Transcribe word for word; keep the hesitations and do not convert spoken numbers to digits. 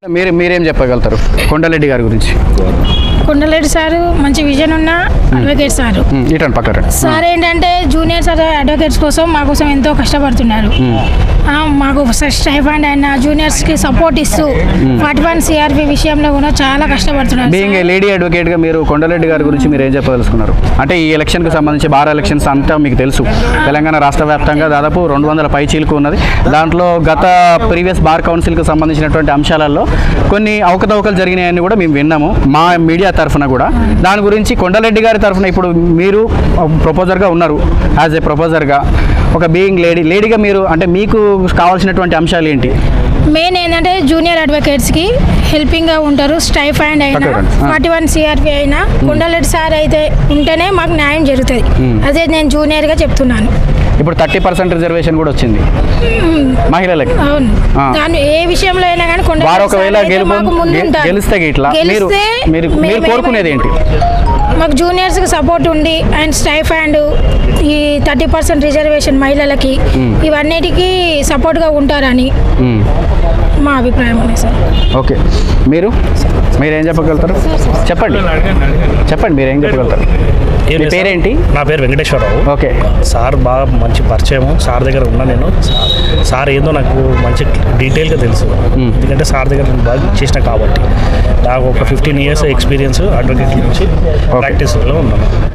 మీరు మీరేం చెప్పగలుగుతారు కొండలరెడ్డి గారి గురించి? కొండలరెడ్డి సారు మంచి విజన్ ఉన్న అడ్వకేట్ సారు. ఇటండి పక్కన సార్ ఏంటంటే జూనియర్ సార్ అడ్వకేట్స్ కోసం మా కోసం ఎంతో కష్టపడుతున్నారు. ఆ, మాకు స్టైఫండ్ అయినా జూనియర్స్కి సపోర్ట్ ఇస్తూ ఫార్టీ వన్ సిఆర్పి విషయంలో కూడా చాలా కష్టపడుతున్నారు. బీయింగ్ ఏ లేడీ అడ్వకేట్గా మీరు కొండలరెడ్డి గారి గురించి మీరు ఏం చెప్పదలుచుకున్నారు? అంటే ఈ ఎలక్షన్కి సంబంధించి బార్ ఎలక్షన్స్ అంతా మీకు తెలుసు, తెలంగాణ రాష్ట్ర వ్యాప్తంగా దాదాపు రెండు వందల పై చీలకు ఉన్నది. దాంట్లో గత ప్రీవియస్ బార్ కౌన్సిల్కి సంబంధించినటువంటి అంశాలలో కొన్ని అవకతవకలు జరిగినాయని కూడా మేము విన్నాము మా మీడియా తరఫున కూడా. దాని గురించి కొండలరెడ్డి గారి తరఫున ఇప్పుడు మీరు ప్రపోజర్గా ఉన్నారు, యాజ్ ఏ ప్రపోజర్గా ఒక బీయింగ్ లేడీ లేడీగా మీరు అంటే మీకు కావాల్సినటువంటి అంశాలు ఏంటి? మెయిన్ ఏంటంటే జూనియర్ అడ్వకేట్స్కి హెల్పింగ్గా ఉంటారు. స్టైఫండ్ అయినా ఫార్టీ వన్ సిఆర్పి అయినా కొండలరెడ్డి సార్ అయితే ఉంటేనే మాకు న్యాయం జరుగుతుంది. అదే నేను జూనియర్గా చెప్తున్నాను. ఇప్పుడు థర్టీ పర్సెంట్ రిజర్వేషన్ కూడా వచ్చింది మహిళలకి. అవును, దాని ఏ విషయంలో అయినా కానీ వారు ఒకవేళ గెలిస్తే ఇట్లా మీరు మీరు మీరు కోరుకునేది ఏంటి? మాకు జూనియర్స్కి సపోర్ట్ ఉండి అండ్ స్టైఫండ్ ఈ థర్టీ పర్సెంట్ రిజర్వేషన్ మహిళలకి ఇవన్నిటికీ సపోర్ట్గా ఉంటారని మా అభిప్రాయం ఉంది సార్. ఓకే, మీరు మీరేం చెప్పగలుగుతారు? చెప్పండి చెప్పండి మీరేం చెప్పగలుగుతారు? మీ పేరేంటి? నా పేరు వెంకటేశ్వరరావు. ఓకే, సార్ బాగా మంచి పరిచయం, సార్ దగ్గర ఉన్నా నేను. సార్ ఏందో నాకు మంచి డీటెయిల్గా తెలుసు, ఎందుకంటే సార్ దగ్గర నేను బాగా చేసిన కాబట్టి. నాకు ఒక ఫిఫ్టీన్ ఇయర్స్ ఎక్స్పీరియన్స్ అడ్వకేట్ నుంచి ప్రాక్టీస్లో ఉన్నాను.